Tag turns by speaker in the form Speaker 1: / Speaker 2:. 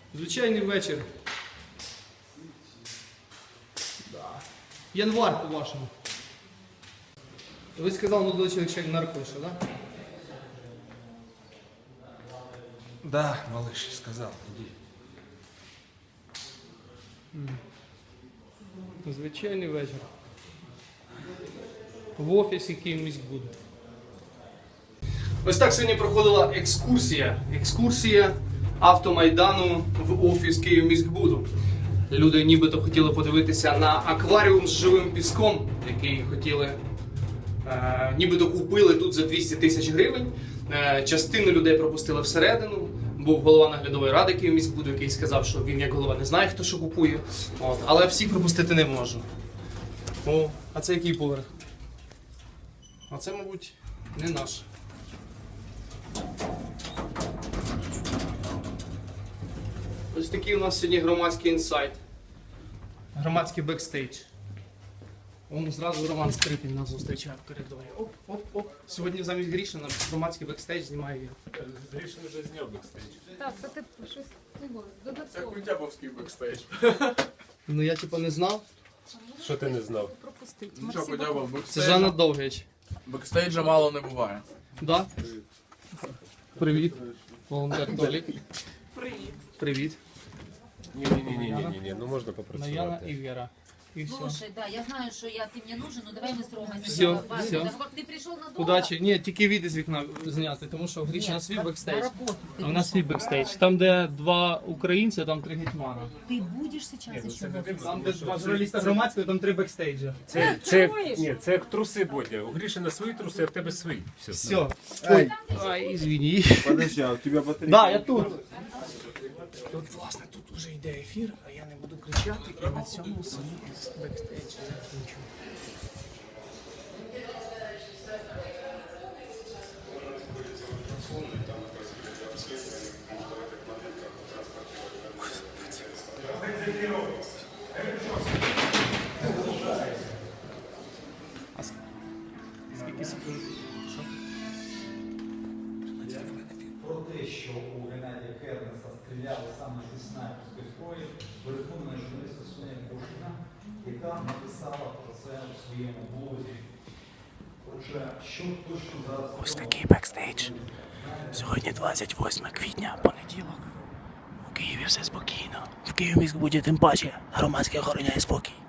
Speaker 1: Звичайний вечір. Да. Январ, по-вашому. Ви сказали, молодой чоловік, що наркоша, так? Да?
Speaker 2: Да, малыш, сказал, иди.
Speaker 1: Звичайний вечір. В офісі Київміськбуду. Ось так сьогодні проходила екскурсія автомайдану в офіс Київміськбуду. Люди нібито хотіли подивитися на акваріум з живим піском, який хотіли, нібито купили тут за 200 тисяч гривень. Частину людей пропустили всередину. Був голова наглядової ради Київміськбуду, який сказав, що він як голова не знає, хто що купує. Але всіх пропустити не можу. О, а це який поверх? А це, мабуть, не наш. Ось такий у нас сьогодні громадський інсайт. Громадський бекстейдж. Вон зразу Роман Скрипін нас зустрічає в коридорі. Оп. Сьогодні замість Грішина громадський бекстейдж знімає я.
Speaker 3: Грішин вже зняв бекстейдж.
Speaker 4: Так, це ти щось
Speaker 3: Це
Speaker 4: додатково
Speaker 3: Культябовський бекстейдж.
Speaker 1: Ну я типу не знав.
Speaker 3: Що ти не знав?
Speaker 4: пропустити.
Speaker 3: Ну що, Культябов,
Speaker 1: Це Жанна Довгич.
Speaker 5: Бекстейджа мало не буває.
Speaker 1: Да? Привіт. Волонтер Толік. Привіт.
Speaker 3: Ні, ну можна
Speaker 1: Наяна
Speaker 3: попрацювати.
Speaker 1: і Вера. И все.
Speaker 6: Слушай, да, я знаю, что ты мне нужен, но давай мы с Ромой
Speaker 1: Всё,
Speaker 6: сначала
Speaker 1: всё.
Speaker 6: Так, ты пришел надолго?
Speaker 1: Удачі. Ні, тільки від із вікна зняти, тому що в Грішина свій
Speaker 6: на
Speaker 1: бекстейдж.
Speaker 6: работу ты
Speaker 1: А у нас свій бекстейдж. Там, де два українці, там три гетьмана.
Speaker 6: Ты будешь сейчас еще в офисе?
Speaker 1: Там, де два журналіста громадського, там три бекстейджа.
Speaker 3: Ні, це як труси, Бодя. У Грішина свої труси, а в тебе свої.
Speaker 1: Все. Ай, извини.
Speaker 7: Подожди, а у тебя батарейка?
Speaker 1: Да, я тут. Тут, власне, тут вже йде ефір, а я не буду кричати і на цьому свій бекстейдж закінчу. Скільки секунд? Що?
Speaker 8: Про те, що у Геннадія Кернеса стріляли саме зі снайперської зброї, переконана журналістка Соня Бушина, яка написала про це у своєму блозі. Отже, що точно зараз...
Speaker 1: Ось такий бекстейдж. Сьогодні 28 квітня, понеділок. У Києві все спокійно. В Київміськбуді тим паче громадське охороняє спокій.